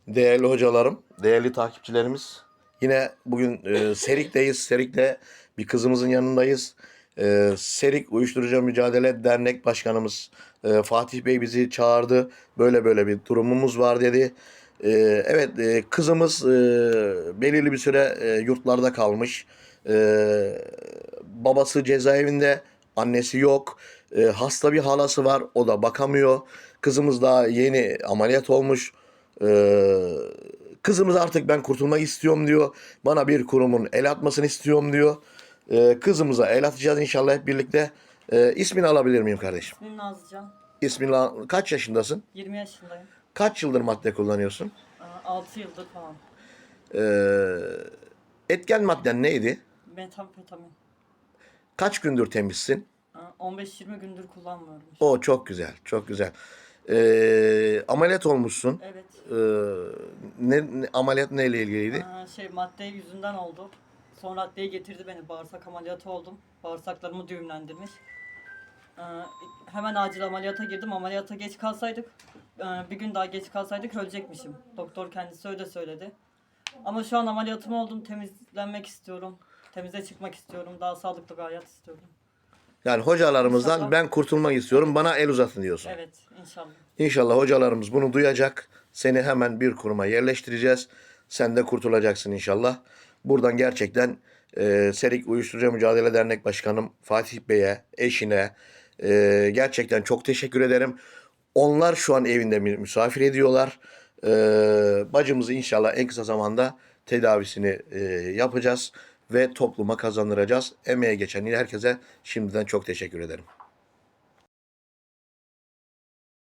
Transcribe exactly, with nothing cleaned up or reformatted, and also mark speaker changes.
Speaker 1: Değerli hocalarım, değerli takipçilerimiz. Yine bugün e, Serik'teyiz. Serik'te bir kızımızın yanındayız. E, Serik Uyuşturucu Mücadele Dernek Başkanımız e, Fatih Bey bizi çağırdı. Böyle böyle bir durumumuz var dedi. E, evet, e, kızımız e, belirli bir süre e, yurtlarda kalmış. E, babası cezaevinde, annesi yok. E, hasta bir halası var, o da bakamıyor. Kızımız daha yeni ameliyat olmuş. Ee, Kızımız artık ben kurtulmak istiyorum diyor. Bana bir kurumun el atmasını istiyorum diyor. Ee, kızımıza el atacağız inşallah hep birlikte. Ee, ismini alabilir miyim kardeşim?
Speaker 2: İsmim Nazlıcan.
Speaker 1: İsmini al- kaç yaşındasın?
Speaker 2: yirmi yaşındayım.
Speaker 1: Kaç yıldır madde kullanıyorsun?
Speaker 2: altı yıldır falan.
Speaker 1: Ee, Etken madden neydi?
Speaker 2: Metamfetamin.
Speaker 1: Kaç gündür temizsin?
Speaker 2: on beş yirmi gündür kullanmıyorum işte.
Speaker 1: O çok güzel, çok güzel. Ee, ameliyat olmuşsun.
Speaker 2: Evet.
Speaker 1: Ee, ne, ne- ameliyat neyle ilgiliydi?
Speaker 2: Aa, şey madde yüzünden oldu. Sonra adliye getirdi beni. Bağırsak ameliyatı oldum. Bağırsaklarımı düğümlendirmiş. Ee, hemen acil ameliyata girdim. Ameliyata geç kalsaydık, e, bir gün daha geç kalsaydık ölecekmişim. Doktor kendisi öyle söyledi. Ama şu an ameliyatım oldum. Temizlenmek istiyorum. Temize çıkmak istiyorum. Daha sağlıklı bir hayat istiyorum.
Speaker 1: Yani hocalarımızdan
Speaker 2: İnşallah.
Speaker 1: ben kurtulmak istiyorum, bana el uzatın diyorsun.
Speaker 2: Evet, inşallah.
Speaker 1: İnşallah hocalarımız bunu duyacak. Seni hemen bir kuruma yerleştireceğiz. Sen de kurtulacaksın inşallah. Buradan gerçekten e, Serik Uyuşturucu Mücadele Dernek Başkanım Fatih Bey'e, eşine e, gerçekten çok teşekkür ederim. Onlar şu an evinde mi- misafir ediyorlar. E, Bacımızı inşallah en kısa zamanda tedavisini e, yapacağız ve topluma kazandıracağız. Emeğe geçen herkese şimdiden çok teşekkür ederim.